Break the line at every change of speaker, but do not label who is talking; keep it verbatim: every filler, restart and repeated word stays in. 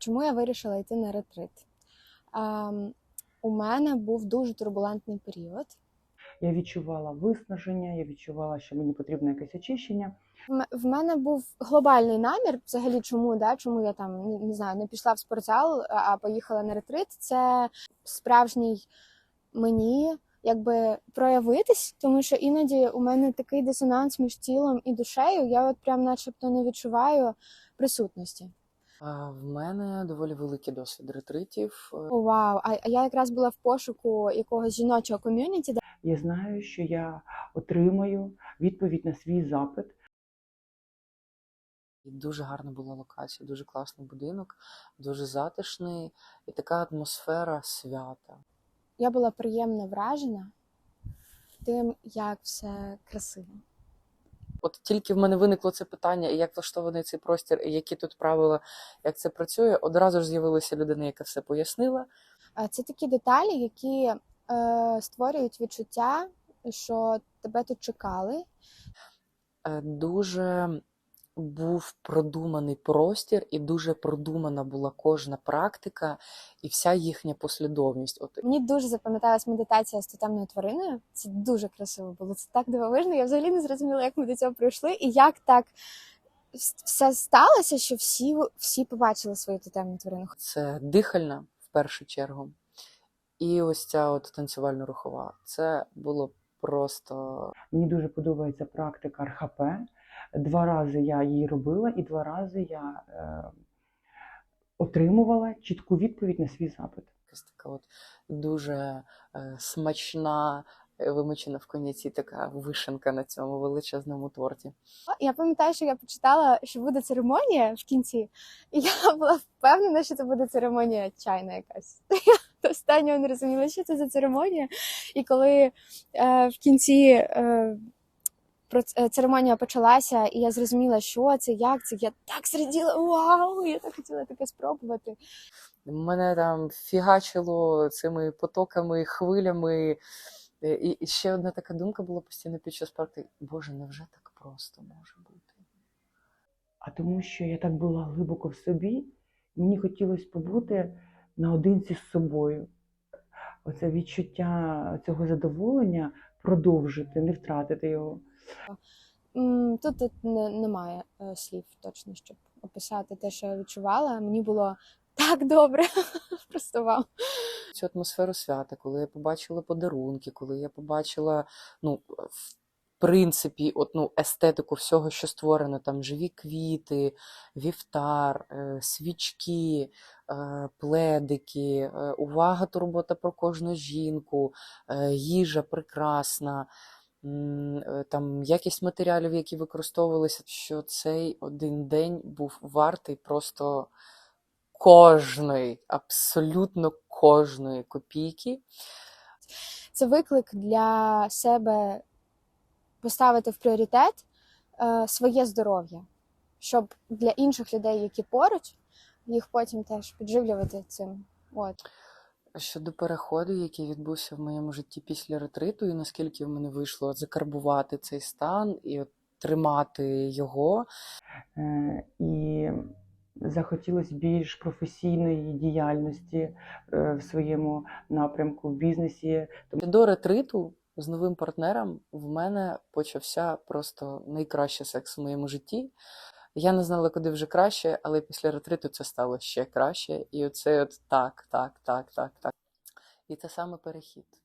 Чому я вирішила йти на ретрит? Ем, у мене був дуже турбулентний період.
Я відчувала виснаження, я відчувала, що мені потрібно якесь очищення.
В м- В мене був глобальний намір, взагалі, чому, да, чому я там не, не знаю, не пішла в спортзал, а а поїхала на ретрит. Це справжній мені якби проявитись, тому що іноді у мене такий дисонанс між тілом і душею. Я от прям начебто не відчуваю присутності.
А, В мене доволі великий досвід ретритів.
О, вау! А а я якраз була в пошуку якогось жіночого ком'юніті.
Я знаю, що я отримаю відповідь на свій запит.
І дуже гарна була локація, дуже класний будинок, дуже затишний і така атмосфера свята.
Я була приємно вражена тим, як все красиво.
От тільки в мене виникло це питання, як влаштований цей простір, і які тут правила, як це працює, одразу ж з'явилася людина, яка все пояснила.
А це такі деталі, які е, створюють відчуття, що тебе тут чекали.
Е, Дуже був продуманий простір, і дуже продумана була кожна практика і вся їхня послідовність. От
Мені дуже запам'яталась медитація з тотемною твариною. Це дуже красиво було. Це так дивовижно. Я взагалі не зрозуміла, як ми до цього прийшли, і як так все сталося, що всі, всі побачили свою тотемну тварину.
це дихальна в першу чергу. І ось ця от танцювально-рухова. Це було просто...
Мені дуже подобається практика ар ха пе. Два рази я її робила, і два рази я е, отримувала чітку відповідь на свій запит.
якась така от дуже е, смачна, е, вимочена в коньяці така вишенка на цьому величезному торті.
Я пам'ятаю, що я почитала, що буде церемонія в кінці, і я була впевнена, що це буде церемонія чайна якась. Я до останнього не розуміла, що це за церемонія. І коли е, в кінці е, проц- е, церемонія почалася, і я зрозуміла, що це, як це, я так зраділа, вау, я так хотіла таке спробувати.
Мене там фігачило цими потоками, хвилями. Е, І, і ще одна така думка була постійно під час практики. Боже, невже так просто може бути?
А тому, що я так була глибоко в собі, мені хотілося побути наодинці з собою. Оце відчуття цього задоволення продовжити, не втратити його.
М, Тут, тут не, немає е, слів точно, щоб описати те, що я відчувала. Мені було так добре. Просто вау.
Цю атмосферу свята, коли я побачила подарунки, коли я побачила, ну, в принципі, от, ну, естетику всього, що створено, там живі квіти, вівтар, е, свічки, е, пледики, е, увага, турбота про кожну жінку, е, їжа прекрасна, м, е, там якість матеріалів, які використовувалися, що цей один день був вартий просто кожної, абсолютно кожної копійки.
Це виклик для себе поставити в пріоритет е, своє здоров'я, щоб для інших людей, які поруч, їх потім теж підживлювати цим. От.
Щодо переходу, який відбувся в моєму житті після ретриту, і наскільки в мене вийшло закарбувати цей стан і от тримати його.
Е, І захотілося більш професійної діяльності е, в своєму напрямку, в бізнесі.
До ретриту з новим партнером в мене почався просто найкращий секс в моєму житті. Я не знала, куди вже краще, але після ретриту це стало ще краще. І оце от так, так, так, так, так. І це саме перехід.